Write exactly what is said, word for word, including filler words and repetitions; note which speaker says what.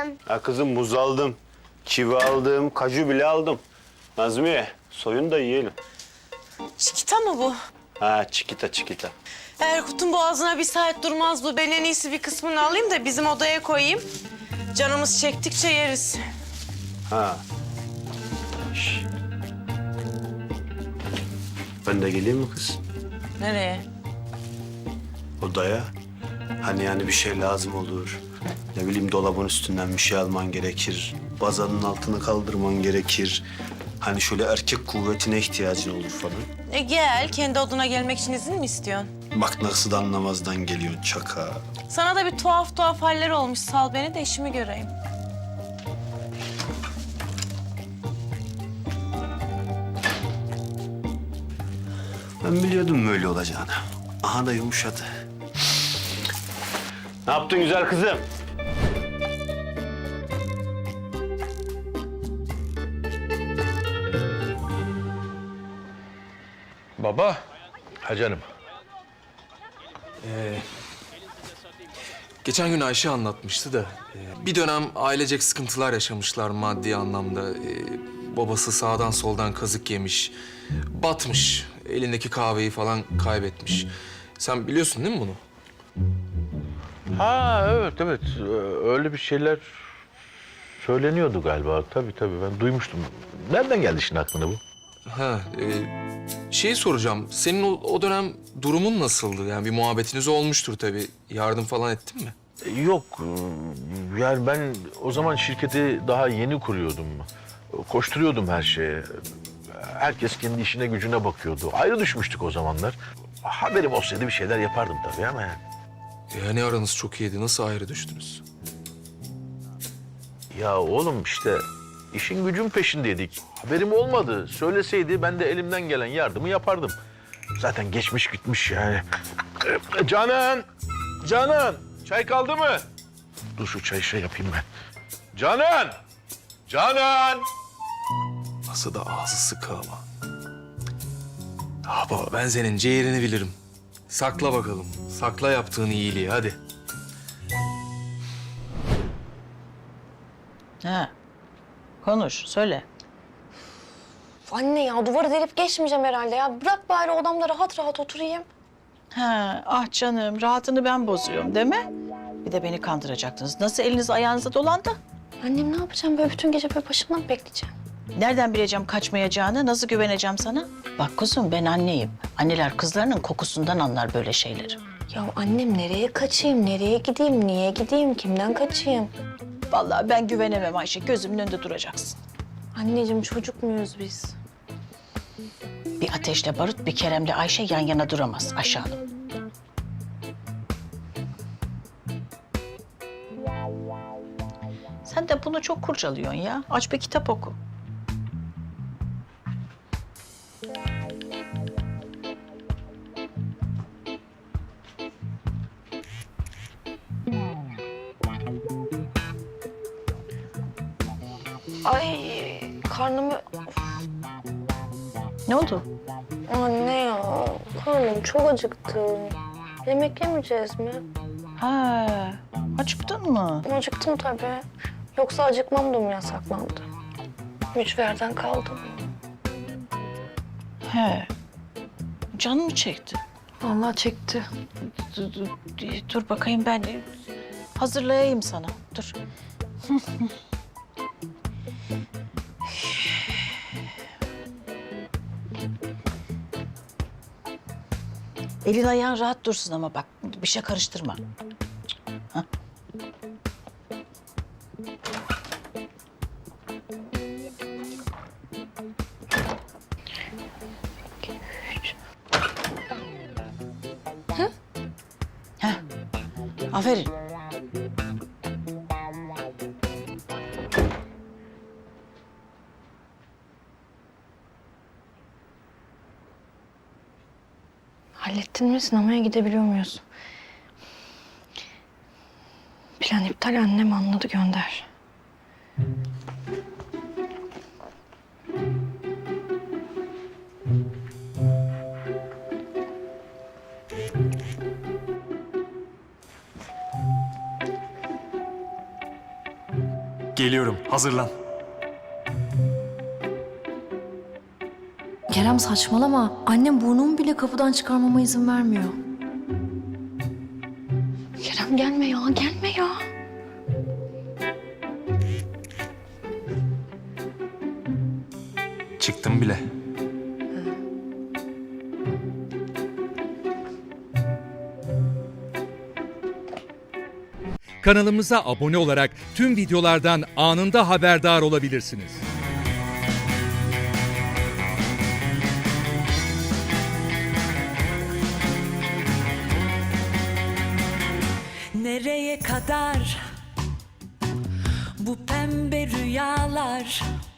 Speaker 1: sen?
Speaker 2: Ha kızım muz aldım, kivi aldım, kaju bile aldım. Nazmiye soyun da yiyelim.
Speaker 1: Çikita mı bu?
Speaker 2: Ha çikita çikita.
Speaker 1: Erkut'un boğazına bir saat durmaz bu. Ben en iyisi bir kısmını alayım da bizim odaya koyayım. Canımız çektikçe yeriz.
Speaker 2: Ha. Şş. Ben de geleyim mi kız?
Speaker 1: Nereye?
Speaker 2: Odaya. Hani yani bir şey lazım olur. Ne bileyim dolabın üstünden bir şey alman gerekir. Bazanın altını kaldırman gerekir. Hani şöyle erkek kuvvetine ihtiyacın olur falan.
Speaker 1: E gel, kendi odana gelmek için izin mi istiyorsun?
Speaker 2: Bak nasıl da anlamazdan geliyorsun çaka.
Speaker 1: Sana da bir tuhaf tuhaf haller olmuş. Sal beni de işimi göreyim.
Speaker 2: Ben biliyordum böyle olacağını. Aha da yumuşadı. Ne yaptın güzel kızım?
Speaker 3: Baba. Ha canım.
Speaker 4: Ee, geçen gün Ayşe anlatmıştı da e, bir dönem ailecek sıkıntılar yaşamışlar maddi anlamda. Ee, babası sağdan soldan kazık yemiş, batmış, elindeki kahveyi falan kaybetmiş. Sen biliyorsun değil mi bunu?
Speaker 3: Ha evet evet Ee, öyle bir şeyler söyleniyordu galiba. Tabii tabii ben duymuştum. Nereden geldi şimdi aklına bu?
Speaker 4: Ha, e, şeyi soracağım. Senin o, o dönem durumun nasıldı? Yani bir muhabbetiniz olmuştur tabii. Yardım falan ettin mi?
Speaker 3: Ee, Yok ee, yani ben o zaman şirketi daha yeni kuruyordum. Koşturuyordum her şeye. Herkes kendi işine gücüne bakıyordu. Ayrı düşmüştük o zamanlar. Haberim olsaydı bir şeyler yapardım tabii ama yani.
Speaker 4: Yani aranız çok iyiydi. Nasıl ayrı düştünüz?
Speaker 3: Ya oğlum işte işin gücün peşindeydik. Haberim olmadı. Söyleseydi ben de elimden gelen yardımı yapardım. Zaten geçmiş gitmiş yani. Ee, Canan! Canan! Çay kaldı mı? Dur şu çayı şey yapayım ben. Canan! Canan!
Speaker 4: Nasıl da ağzı sıkı ama. Ah baba ben senin ciğerini bilirim. Sakla bakalım. Sakla yaptığın iyiliği hadi.
Speaker 5: Ha. Konuş, söyle.
Speaker 6: Anne ya duvarı delip geçmeyeceğim herhalde ya. Bırak bari odamda rahat rahat oturayım.
Speaker 5: Ha, ah canım, rahatını ben bozuyorum değil mi? Bir de beni kandıracaktınız. Nasıl eliniz ayağınıza dolandı?
Speaker 6: Annem ne yapacağım böyle bütün gece böyle başımdan mı bekleyeceğim?
Speaker 5: Nereden bileceğim kaçmayacağını, nasıl güveneceğim sana? Bak kuzum ben anneyim. Anneler kızlarının kokusundan anlar böyle şeyleri.
Speaker 6: Ya annem nereye kaçayım, nereye gideyim, niye gideyim, kimden kaçayım?
Speaker 5: Vallahi ben güvenemem Ayşe, gözümün önünde duracaksın.
Speaker 6: Anneciğim çocuk muyuz biz?
Speaker 5: Bir ateşle barut, bir Kerem'le Ayşe yan yana duramaz Ayşe Hanım. Sen de bunu çok kurcalıyorsun ya. Aç bir kitap oku.
Speaker 6: Ay karnımı...
Speaker 5: Ne oldu?
Speaker 6: Anne ya karnım çok acıktı. Yemek yemeyeceğiz mi?
Speaker 5: Ha, acıktın mı?
Speaker 6: Acıktım tabii. Yoksa acıkmam da mı yasaklandı? Mücverden kaldım.
Speaker 5: He. Canın mı çekti?
Speaker 6: Vallahi çekti.
Speaker 5: Dur, dur, dur bakayım ben hazırlayayım sana. Dur. Elin ayağın rahat dursun ama bak bir şey karıştırma. Hah. Heh. Aferin.
Speaker 6: Hallettin mi? Sinemaya gidebiliyor muyuz? Plan iptal, annem anladı, gönder.
Speaker 7: Geliyorum. Hazırlan.
Speaker 8: Kerem saçmalama. Annem burnumu bile kapıdan çıkarmama izin vermiyor.
Speaker 6: Kerem gelme ya, gelme ya.
Speaker 4: Çıktım bile.
Speaker 9: Kanalımıza abone olarak tüm videolardan anında haberdar olabilirsiniz.
Speaker 10: Nereye kadar bu pembe rüyalar?